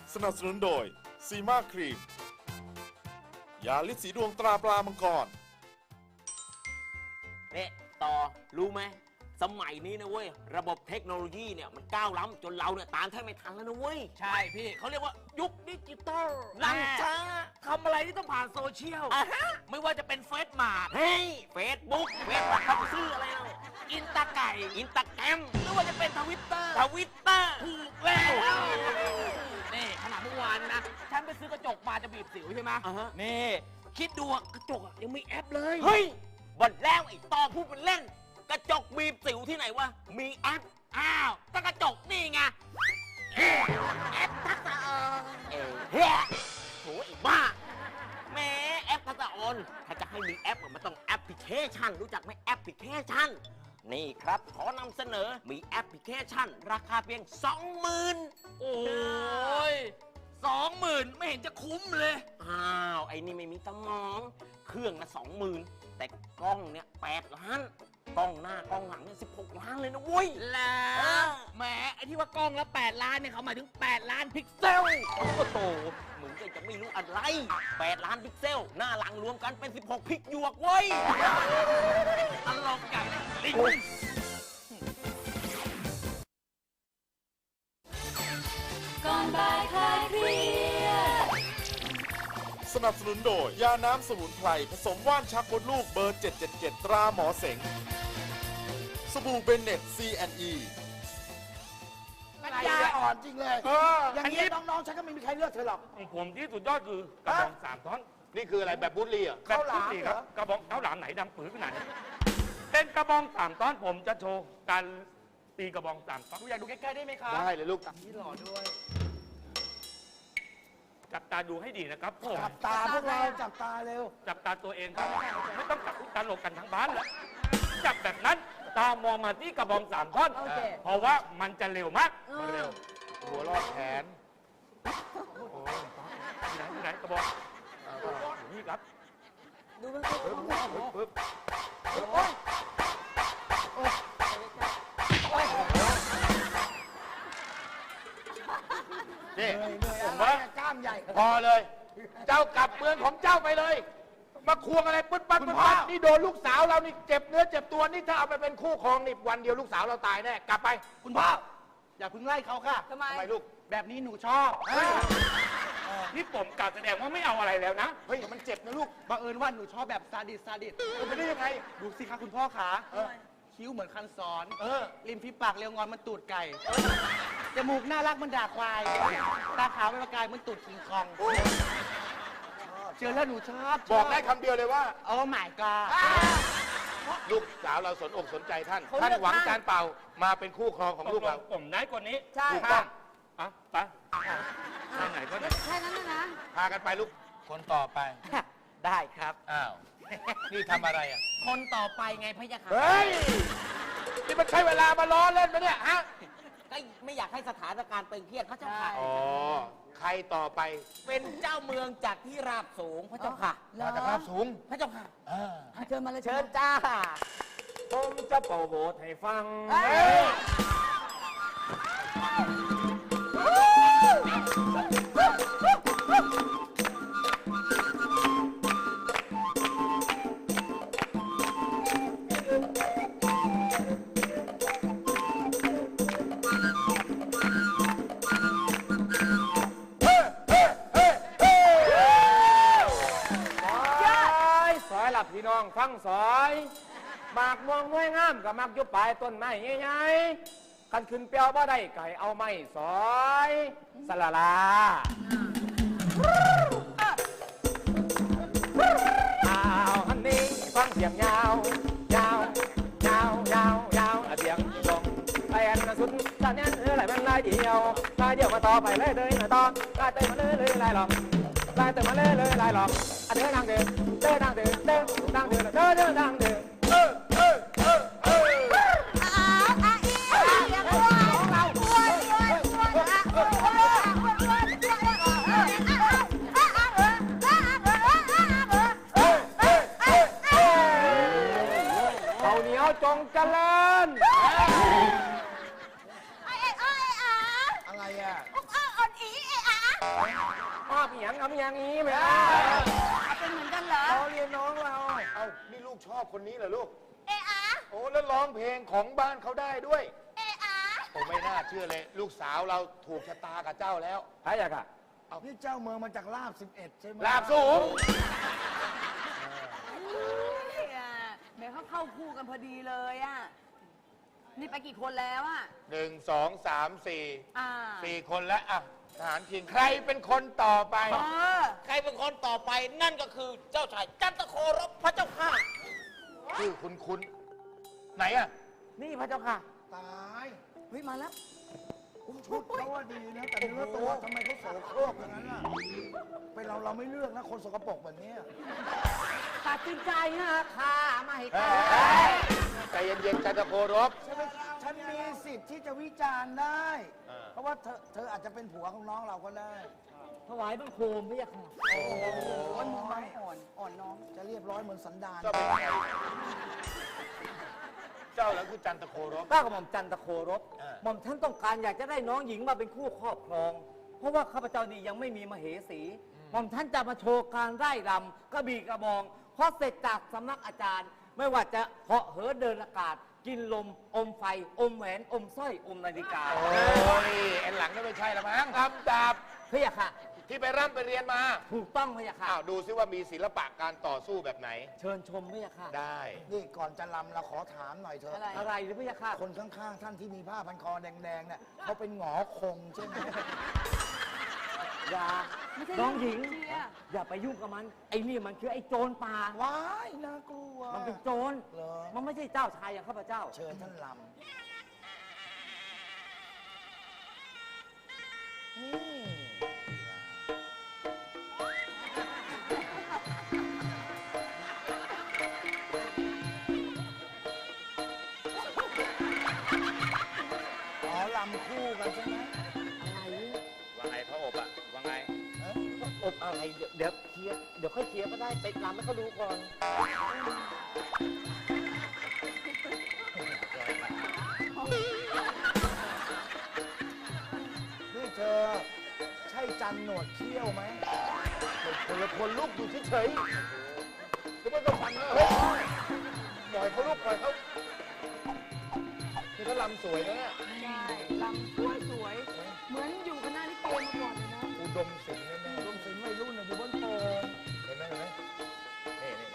สนับสนุนโดยซีมาครีมยาลิดสีดวงตราปลามังกรเนี่ยต่อรู้ไหมสมัยนี้นะเว้ยระบบเทคโนโลยีเนี่ยมันก้าวล้ำจนเราเนี่ยตามแทบไม่ทันแล้วนะเว้ยใช่พี่เขาเรียกว่ายุคดิจิตอลล้ำช้าทำอะไรที่ต้องผ่านโซเชียลไม่ว่าจะเป็นเฟซมาร์ทเฟซบุ๊กเข้าไปซื้ออะไรเราอินตาแกรมหรือว่าจะเป็นทวิตเตอร์ถูกแล้วนี่ขนาดเมื่อวานนะฉันไปซื้อกระจกมาจะบีบสิวใช่ไหมนี่คิดดูกระจกยังมีแอปเลยเฮ้ยบนแล้วไอ้ต่อพูดเป็นเล่นกระจกบีบสิวที่ไหนวะมีแอปก็กระจกนี่ไงแอปทักษะเฮ้ยโหไอ้บ้าแม่แอปทักษะออนถ้าจะให้มีแอปมันต้องแอปพลิเคชันรู้จักไหมแอปพลิเคชันนี่ครับขอนำเสนอมีแอปพลิเคชันราคาเพียง 20,000 โอ้ย 20,000 ไม่เห็นจะคุ้มเลยไอ้นี่ไม่มีสมองเครื่องละ 20,000 แต่กล้องเนี่ย8 ล้านกล้องหน้ากล้องหลังเนี่ย16 ล้านเลยนะเว้ยแล้วแหมไอ้ที่ว่ากล้องละ8 ล้านเนี่ยเขาหมายถึง8 ล้านพิกเซลโอ้โหมึงก็จะไม่รู้อะไร8 ล้านพิกเซลหน้าหลังรวมกันเป็น16 พิกหยวกเว้ยตลกใหญ่ลิงก่อนบ่ายคลายเครียดสนับสนุนโดยยาน้ำสมุนไพรผสมว่านชักมดลูกเบอร์ 777 ตราหมอเสงสบู่เบนเน็ต C&E ปัญญาอ่อนจริงเลยอย่างนี้น้องๆฉันก็ไม่มีใครเลือกเธอหรอกผมที่สุดยอดคือกระบอง3 ท่อนนี่คืออะไรแบบบุรีอ่ะแบบบุรีครับกระบองข้าวหลามไหนดังปื้อขนาดนี้เป็นกระบอง3 ท่อนผมจะโชว์การตีกระบอง3 ท่อนอยากดูใกล้ๆได้ไหมครับได้เลยลูกนี่หล่อด้วยจับตาดูให้ดีนะครับผมจับตาพวกเราจับตาเร็วจับตาตัวเองครับไม่ต้องจับตลกกันทั้งบ้านแล้วจับแบบนั้นตามองมาที่กระบอง3 ท่อนเพราะว่ามันจะเร็วมากเร็วหัวรอดแขนที่ไหนกระบองนี่ครับดูมันปึ๊บนี่ผมว่ากล้ามใหญ่พอเลย เจ้ากลับเมืองของเจ้าไปเลย มาควงอะไรปึ๊ดปั๊ดนี่โดนลูกสาวเรานี่เจ็บเนื้อเจ็บตัวนี่ถ้าเอาไปเป็นคู่ครองนี่วันเดียวลูกสาวเราตายแน่กลับไปคุณพ่ออย่าเพิ่งไล่เขาค่ะทำไมลูกแบบนี้หนูชอบนี่ผมกล่าวแสดงว่าไม่เอาอะไรแล้วนะเฮ้ยมันเจ็บนะลูกบังเอิญว่าหนูชอบแบบซาดิสไม่ได้ยังไงดูสิคะคุณพ่อขาคิ้วเหมือนคันสอนริมฝีปากเรียวงอนมันตูดไก่จมูกน่ารักมันด่าควายตาขาวเป็นประกายมันตูดคิงคองเจอแล้วหนูชอบบอกได้คำเดียวเลยว่าโอ้ my god ลูกสาวเราสนอกสนใจท่านหวังการเป่ามาเป็นคู่ครองของลูกเราผมได้กว่านี้ใช่ค่ะไปไหนก็ได้แค่นั้นนะพากันไปลูกคนต่อไปได้ครับอ้าวนี่ทำอะไรอ่ะคนต่อไปไงพะยะค่ะเฮ้ยนี่มันใช่เวลามาล้อเล่นไหมเนี่ยฮะก็ไม่อยากให้สถานการณ์ตึงเครียดพระเจ้าค่ะอ๋อใครต่อไปเป็นเจ้าเมืองจากที่ราบสูงพระเจ้าค่ะมาจากราบสูงพระเจ้าค่ะเชิญมาเลยเชิญจ้าผมจะเป่าโบสให้ฟังพี่น้องฟังสอยหมากม่วงน้วยงามกับมักยุบปลายต้นไม้ใหญ่ๆคันขึ้นเปียวบ่ได้ไก่เอาไม้สอยสลาลาอันนี้ฟังเสียงยาวยาวยาวยาวยาวเสียงลงไปอันสุดตอนนี้ไหลมันลายเดียวมาต่อไปเลยต่อลายเติมมาเลยลายหลอกลายเติมมาเลยลายหลอกเดินทางเดินทางเดินทางเดินทางเดินเขาเหนียวจงเจริญอะไรอ่ะอ่อนอีอ่ะชอบอย่างทำอย่างนี้ไหมเป็นเหมือนกันเหรอเราเรียนน้องเราเอานี่ลูกชอบคนนี้เหรอลูกเอะอะโอ้แล้วร้องเพลงของบ้านเขาได้ด้วยเอะอะโอ้ไม่น่าเชื่อเลย ลูกสาวเราถูกชะตากับเจ้าแล้วใช่อะค่ะนี่เจ้าเมืองมาจากลาบ 11 ใช่ไหมลาบสูงแหม่เขาเข้าคู่กันพอดีเลยอ่ะ นี่ไปกี่คนแล้วอ่ะ 1 2 3 อ่า 4 4 คนแล้วอ่ะทหารคิงใครเป็นคนต่อไปเออใครเป็นคนต่อไปนั่นก็คือเจ้าชายจันทโครบพระเจ้าค่ะชื่อคุ้นๆไหนอ่ะนี่พระเจ้าค่ะตายเฮ้ย มาแล้วชุดเขาว่าดีนะ แต่เนื้อตัวทำไมเขาโสโครกอย่างนั้นล่ะ เป็นเราไม่เลือกนะ คนสกปรกแบบนี้ตัดสินใจนะค่ะไม่ให้ใจเย็นๆจันทโครบใช่ไหมฉันมีสิทธิ์ที่จะวิจารณ์ได้เออเพราะว่าเธออาจจะเป็นผัวของน้องเราก็ได้ถวายบังคมพระเจ้าค่ะมันมือไม้อ่อนน้องจะเรียบร้อยเหมือนสันดานเจ้าเป็นใครเจ้าแล้วคือจันทโครบก้าวกระหม่อมจันทโครบเออหม่อมท่านต้องการอยากจะได้น้องหญิงมาเป็นคู่ครอบครอง เพราะว่าข้าพเจ้านี่ยังไม่มีมเหสี หม่อมท่านจะมาโชว์การไร่รำกระบี่กระบองพอเสร็จจากสำนักอาจารย์ ไม่ว่าจะเหาะเหินเดินอากาศ กินลม อมไฟ อมแหวน อมสร้อย อมนาฬิกาโอ้ยแอนหลังนั่นไม่ใช่ละมั้งทำดาบพระเจ้าค่ะที่ไปร่ำไปเรียนมาถูกต้องพระเจ้าค่ะอ้าวดูซิว่ามีศิลปะการต่อสู้แบบไหนเชิญชมพระเจ้าค่ะได้นี่ก่อนจะลำเราขอถามหน่อยเถอะอะไรอะไรหรือพระเจ้าค่ะคนข้างๆ ท่านที่มีผ้าพันคอแดงๆเนี่ยเขาเป็นหงอคงใช่ไหมอย่าไม่ใช่น้องหญิงเชียร์อย่าไปยุ่งกับมัน ไอ้นี่มันคือไอ้โจรป่าว้ายน่ากลัวมันเป็นโจรเหรอมันไม่ใช่เจ้าชายอย่างข้าพเจ้าเชิญท่านลำอ๋อลำคู่กันใช่ไหมว่าไงพระอบอะว่าไงอบอะไรเดี๋ยวเคลียร์เดี๋ยวค่อยเคลียร์ก็ได้ไปรำให้เขาดูก่อนนี่เธอ ใช่จันหนวดเขี้ยวไหมคนละคนลูกอยู่เฉยๆคือไม่ต้องฟันเฮ้ยปล่อยเขาลูกปล่อยเขาคือเขาลำสวยนะเนี่ยใช่ลำสวยๆเหมือนอยู่คณะลิเกมาก่อนเลยนะอุดมศิลป์แน่รวมถึงวัยรุ่นน่ะอยู่บนโป่งๆเห็นไหมเห็นไหมนี่นี่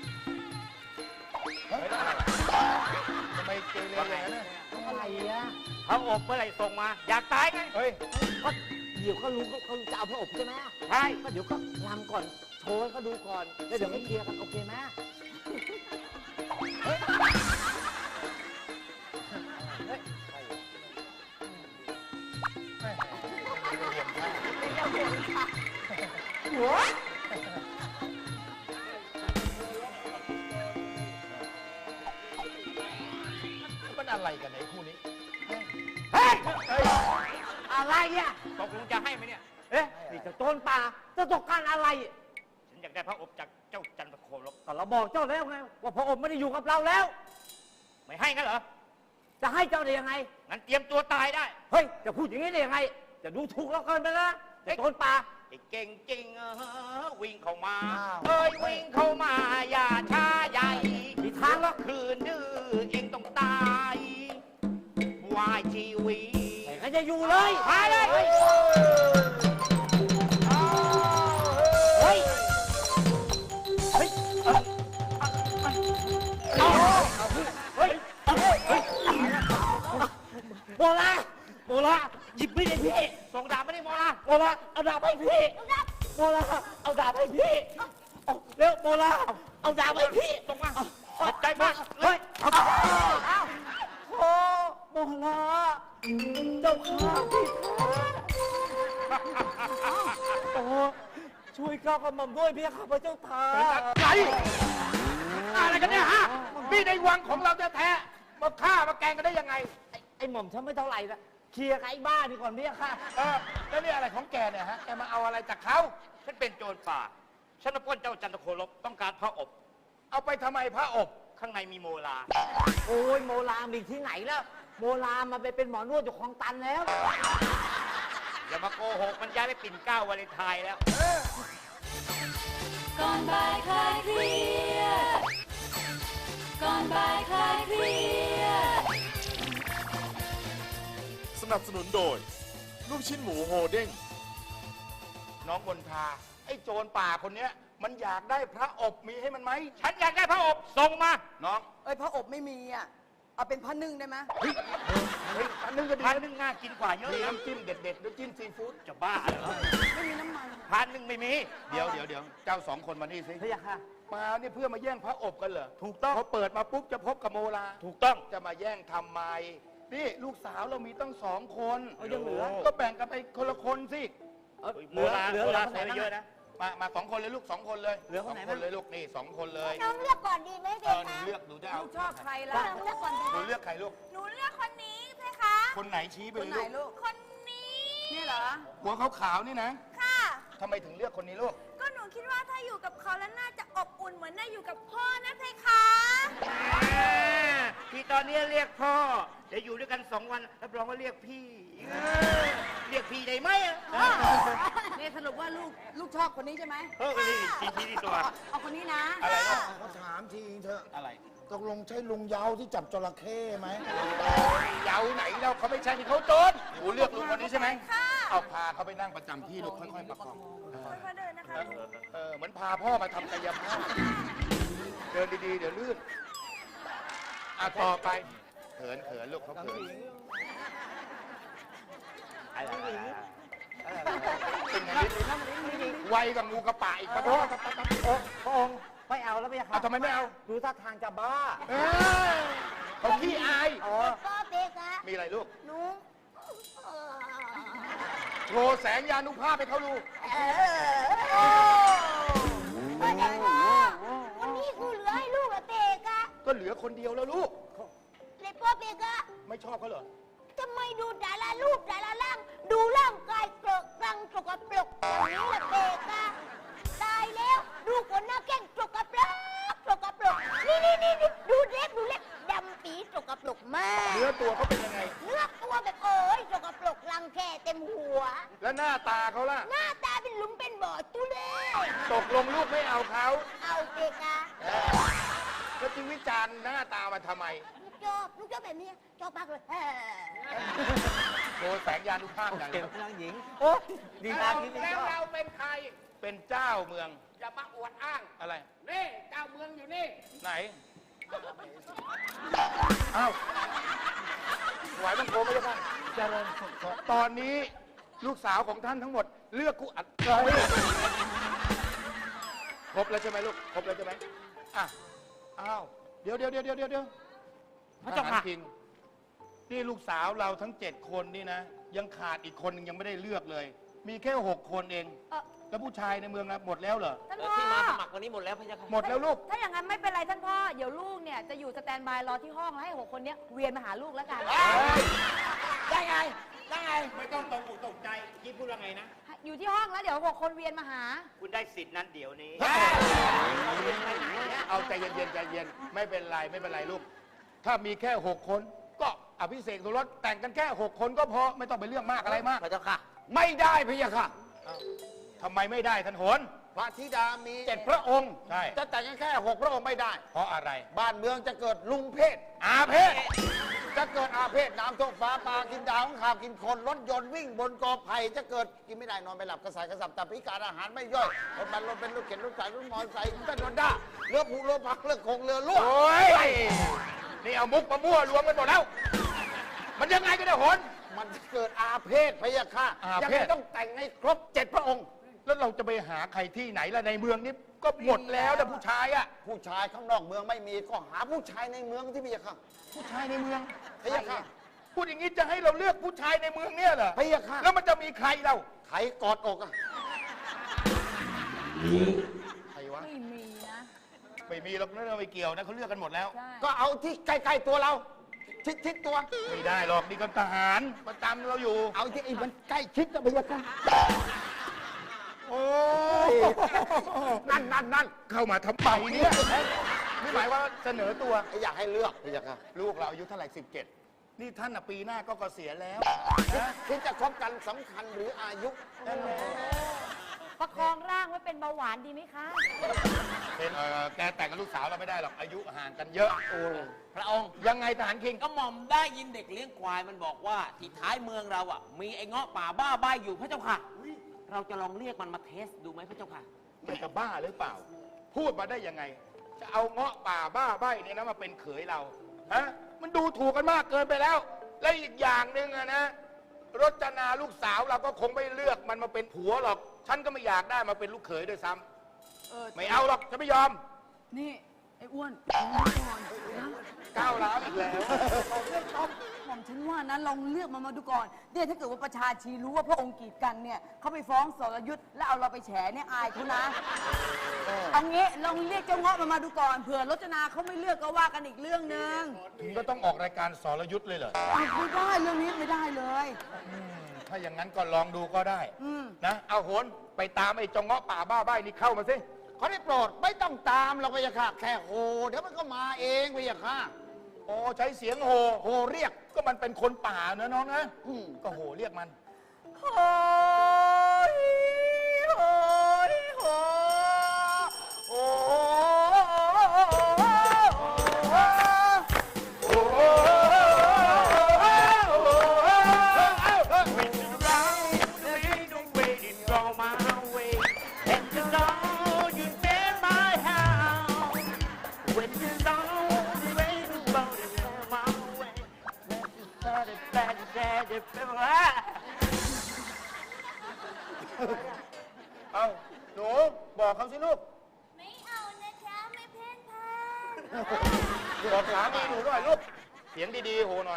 ทำไมเกเรอย่างนั้นน่ะอะไรอ่ะเขาอบเมื่อไหร่ส่งมา อยากตายไงเฮ้ยก็เดี๋ยวก็รู้เขาจะเอาพระอบใช่ไหมใช่ก็เดี๋ยวก็รำก่อน โชว์ให้เขาดูก่อน แล้วเดี๋ยวไม่เคลียร์กันโอเคไหมมันอะไรกันไอ้คู่นี้เฮ้ย อะไรอ่ะตกลงจะให้ไหมเนี่ยเอ๊ะ นี่เจะโจรป่าจะต้องการอะไรฉันอยากได้พระอบจากเจ้าจันทโครบก็เราบอกเจ้าแล้วไง ว่าพระอบไม่ได้อยู่กับเราแล้วไม่ให้งั้นเหรอจะให้เจ้าได้ยังไงงั้นเตรียมตัวตายได้เฮ้ย จะพูดอย่างนี้ได้ยังไง จะดูถูกเราเกินไปนะเจะโจรป่าไอ้เก่งจริงวิ่งเข้ามาอ้าวเอ้ยวิ่งเข้ามาอย่าช้าใหญ่มีทางหรอกคืนดื้อเองต้องตาย วายชีวีแต่ก็จะอยู่เลยมาเลยเฮ้ย เฮ้ย เฮ้ย โบราโบราหยิบมีดให้พี่ส่งดาบไม่ได้โมลาโบราเอาดาบให้พี่โบราเอาดาบให้พี่เอาเร็วโบราเอาดาบให้พี่ส่งมาขอบใจมากเฮ้ยเอาโอ้โบราเจ้าข้าพี่ข้าโอ้ช่วยข้ากับหม่อมด้วยพี่ข้าพระเจ้าทาอะไรอะไรกันเนี่ยฮะนี่ในวังของเราแท้ๆมาฆ่ามาแกล้งกันได้ยังไงไอ้หม่อมฉันไม่เท่าไหร่ละเคลียร์กับไอ้บ้านี่ก่อนพี่ค่ะแล้วนี่อะไรของแกเนี่ยฮะ แกมาเอาอะไรจากเขาฉันเป็นโจรป่า ฉันมาปล้นเจ้าจันทโครบต้องการพระอบเอาไปทำไมพระอบข้างในมีโมลาโอ้ยโมลามีที่ไหนแล้ว โมลามาไปเป็นหมอนวดอยู่คลองตันแล้วยอย่ามาโกหกมันย้ายไปปิ่นเกล้าวาเลนไทน์แล้วก่อนบ่ายคลายเครียดก่อนบ่ายคลายเครียดสนับสนุนโดย ลูกชิ้นหมูโฮเด้งน้องบนทา ไอ้โจรป่าคนเนี้ย มันอยากได้พระอบมีให้มันไหม ฉันอยากได้พระอบส่งมา น้องเอ้ยพระอบไม่มีอ่ะ เอาเป็นพระนึ่งได้ไหมเฮ้ยอันนึงก็ดีอันนึงน่ากินกว่าเยอะมีน้ำจิ้มเด็ดๆน้ำจิ้มซีฟู้ดจะบ้าเหรอไม่มีน้ำมันพันหนึ่งไม่มี เดี๋ยวเจ้าสองคนมานี่สิพะยะค่ะมาเนี่ยเพื่อมาแย่งพระอบกันเหรอถูกต้องพอเปิดมาปุ๊บจะพบกับโมลา ถูกต้อง จะมาแย่งทำไม นี่ลูกสาวเรามีตั้ง2 คนเอายังเหลือก็แบ่งกันไปคนละคนสิเหลือคนไหนบ้างมา2 คนเลยลูก2 คนเลยเหลือคนไหนสงบ้างเลยลูกนี่2 คนเลยน้องเลือกก่อนดีไหมเพหนูคะเลือกหนูจะเอาลูกชอบใครล่ะน้องเลือกก่อนดีหนูเลือกใครลูกหนูเลือกคนนี้เพคะคนไหนชี้ไปคนเลยไหนลูกลูกคนนี้นี่เหรอหัวขาวๆนี่นะค่ะทำไมถึงเลือกคนนี้ลูกก็หนูคิดว่าถ้าอยู่กับเขาแล้วน่าจะอบอุ่นเหมือนได้อยู่กับพ่อนะเพคะที่ตอนนี้เรียกพ่อเดี๋ยวอยู่ด้วยกัน2 วันรับรองว่าเรียกพี่ เรียกพี่ได้ไหมอะนี่สรุปว่าลูกชอบคนนี้ใช่ไหมชี้ตัวเอาคนนี้นะอะไรนะเขาถามทีเถอะอะไรตกลงใช่ลุงเยาที่จับจระเข้ไหมเยาไหนเราเขาไม่ใช่ที่เขาโจรหนูเลือกลุงคนนี้ใช่ไหมค่ะเอาพาเขาไปนั่งประจำที่ลูกค่อยๆประคองค่อยๆเดินนะคะเหมือนพาพ่อมาทำกายภาพเดินดีๆ เดี๋ยวลื่นต่อไปเขินลูกเขาเขินเป็นไงไวกับงูกระป่าอีกปะโทษพระองค์ไม่เอาแล้วพะยะค่ะทำไมไม่เอาดูท่าทางจะบ้าเขาขี้อายอ๋อก็เพคะมีอะไรลูกหนูโชว์แสงยานุภาพให้เขาดูพ่อเด็กพ่อวันนี้กูเหลือให้ลูกเหรอเพคะก็เหลือคนเดียวแล้วลูกเลยพ่อเพคะไม่ชอบเขาเหรอทำไมดูแต่ละรูปแต่ละร่าง ดูร่างกายเกลอะกรังสกปรกอย่างนี้ล่ะเพคะตายแล้วดูคนหน้าแข้งสกปรกนี่ดูเล็บดำปีสกปรกมากเนื้อตัวเขาเป็นยังไงเนื้อตัวแบบโอ้ยสกปรกรังแคเต็มหัวแล้วหน้าตาเขาล่ะหน้าตาเป็นหลุมเป็นบ่อตุเล่ตกลงลูกไม่เอาเขาเอาเพคะแล้วจึงวิจารณ์หน้าตามาทำไมลูกชอบแบบนี้ชอบมากเลยโชว์แสงยานุภาพอย่างเก็เดีบยวนางหญิง โอ้ดีมากที่นี่แล้วก็เราเป็นใคร เป็นเจ้าเมือง อย่ามาอวดอ้าง อะไร นี่เจ้าเมืองอยู่นี่ ไหน อ้าวไหวมันโกไม่ได้ป่ะเจริญสุขตอนนี้ลูกสาวของท่านทั้งหมด เลือกกูอัดครบแล้วใช่ไหมลูก ครบแล้วใช่ไหมอ่ะ อ้าว เดี๋ยวพระเจ้าค่ะนี่ลูกสาวเราทั้ง7 คนนี่นะ ยังขาดอีกคนนึงยังไม่ได้เลือกเลย มีแค่6 คนเอง แล้วผู้ชายในเมืองนะหมดแล้วเหรอท่านพ่อที่มาสมัครวันนี้หมดแล้วพะยะค่ะหมดแล้วลูกถ้าอย่างนั้นไม่เป็นไรท่านพ่อ เดี๋ยวลูกเนี่ยจะอยู่สแตนบายรอที่ห้องแล้วให้6 คนเนี้ยเวียนมาหาลูกแล้วกันได้ไงไม่ต้องตกอกตกใจยี่พูดว่าไงนะอยู่ที่ห้องแล้วเดี๋ยว6 คนเวียนมาหาคุณได้สิทธิ์นั้นเดี๋ยวนี้ เอาใจเย็นใจเย็นไม่เป็นไรลูก ถ้ามีแค่ 6 คนก็อภิเษกสมรสแต่งกันแค่ 6 คนก็พอไม่ต้องไปเรื่องมากอะไรมากพระเจ้าค่ะไม่ได้พะยะค่ะทำไมไม่ได้ท่านโหนพระธิดามี 7 พระองค์ใช่จะแต่งกันแค่6 พระองค์ไม่ได้เพราะอะไรบ้านเมืองจะเกิดลุงเพศอาเพศจะเกิดอาเพศน้ำท่วมฟ้าปลากินดาวข้าวกินคนรถยนต์วิ่งบนกอไผ่จะเกิดกินไม่ได้นอนไม่หลับกระสายกระสับตับพิการอาหารไม่ย่อยรถบันรถเป็นรถเข็นรถสายรถมอเตอร์ไซค์ต้นรถด้าเรือผูเรือพักเรือคงเรือล่วโอ้ยนี่เอามุกมามั่วรวมกันหมดแล้ว มันยังไงกันเนี่ยโหนมันจะเกิดอาเพศพะยะค่ะอายังเพไงศต้องแต่งให้ครบ7 พระองค์แล้วเราจะไปหาใครที่ไหนล่ะในเมืองนี้ก็หมดแล้วแต่ผู้ชายอะผู้ชายข้างนอกเมืองไม่มีก็หาผู้ชายในเมืองที่พะยะค่ะผู้ชายในเมืองพะยะค่ะพูดอย่างนี้จะให้เราเลือกผู้ชายในเมืองเนี่ยเหรอพะยะค่ะแล้วมันจะมีใครเราไขกอดอกอะใครวะไม่มีนะไม่มีหรอกนั่นเราไม่เกี่ยวนะเขาเลือกกันหมดแล้วใช่ก็เอาที่ใกล้ๆตัวเรา ชิดตัวไม่ได้หรอกนี่ก็ทหารประจำเราอยู่เอาที่ไอ้มันใกล้ชิดนะพะยะค่ะโอ้นั่นเข้ามาทำไมเนี่ยนี่หมายว่าเสนอตัวอยากให้เลือกพะยะค่ะลูกเราอายุเท่าไหร่17 นี่ท่านน่ะปีหน้าก็เกษียณแล้วคิดจะคบกันสำคัญหรืออายุประคองร่างไว้เป็นเบาหวานดีไหมคะเป็นแกแต่งกับลูกสาวเราไม่ได้หรอกอายุห่างกันเยอะพระองค์ยังไงทหารคิงก็หม่อมได้ยินเด็กเลี้ยงควายมันบอกว่าที่ท้ายเมืองเราอ่ะมีไอ้เงาะป่าบ้าใบอยู่พระเจ้าค่ะ เราจะลองเรียกมันมาเทสดูไหมพระเจ้าค่ะมันจะบ้าหรือเปล่า พูดมาได้ยังไง จะเอาเงาะป่าบ้าใบเนี่ยนะมาเป็นเขยเราฮะมันดูถูกกันมากเกินไปแล้ว และอีกอย่างหนึ่งอะนะรจนาลูกสาวเราก็คงไม่เลือกมันมาเป็นผัวหรอก ฉันก็ไม่อยากได้มาเป็นลูกเขยด้วยซ้ำไม่เอาหรอกฉันไม่ยอมนี่ ไอ้อ้วนก่อนนะก้าวร้าวอีกแล้วหม่อมฉันว่านะลองเลือกมันมาดูก่อนเนี่ยถ้าเกิดว่าประชาชีรู้ว่าพระองค์กีดกันเนี่ยเขาไปฟ้องสรยุทธ์แล้วเอาเราไปแฉเนี่ยอายเขานะเอางี้ลองเรียกเจ้าเงาะมันมาดูก่อนเผื่อรจนาเขาไม่เลือกก็ว่ากันอีกเรื่องหนึ่งถึงก็ต้องออกรายการสรยุทธ์เลยเหรอไม่ได้เรื่องนี้ไม่ได้เลยถ้าอย่างนั้นก็ลองดูก็ได้อืมนะเอาโหนไปตามไอ้จงเงาะป่าบ้าใบนี่เข้ามาสิเขาได้โปรดไม่ต้องตามเราพะยะค่ะ แค่โหเดี๋ยวมันก็มาเองพะยะค่ะโอ้ใช้เสียงโหโหเรียกก็มันเป็นคนป่านะน้องนะอืมก็โหเรียกมันโอ้ยโอ้ยโอ้ยโอ้ยเอาหนูบอกเขาสิลูกไม่เอานะจ๊ะไม่เพ่นพ่านบอกสามีหนูหน่อยลูก เสียงดีๆโหหน่อย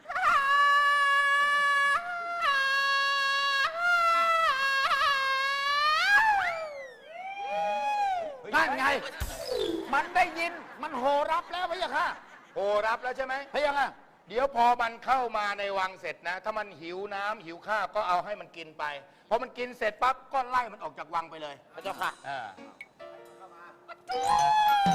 นั่นไง มันได้ยิน มันโหรับแล้วพะยะค่ะโหรับแล้วใช่ไหมพะยะค่ะเดี๋ยวพอมันเข้ามาในวังเสร็จนะ ถ้ามันหิวน้ำหิวข้าวก็เอาให้มันกินไป พอมันกินเสร็จปั๊บก็ไล่มันออกจากวังไปเลยพระเจ้าค่ะอ่า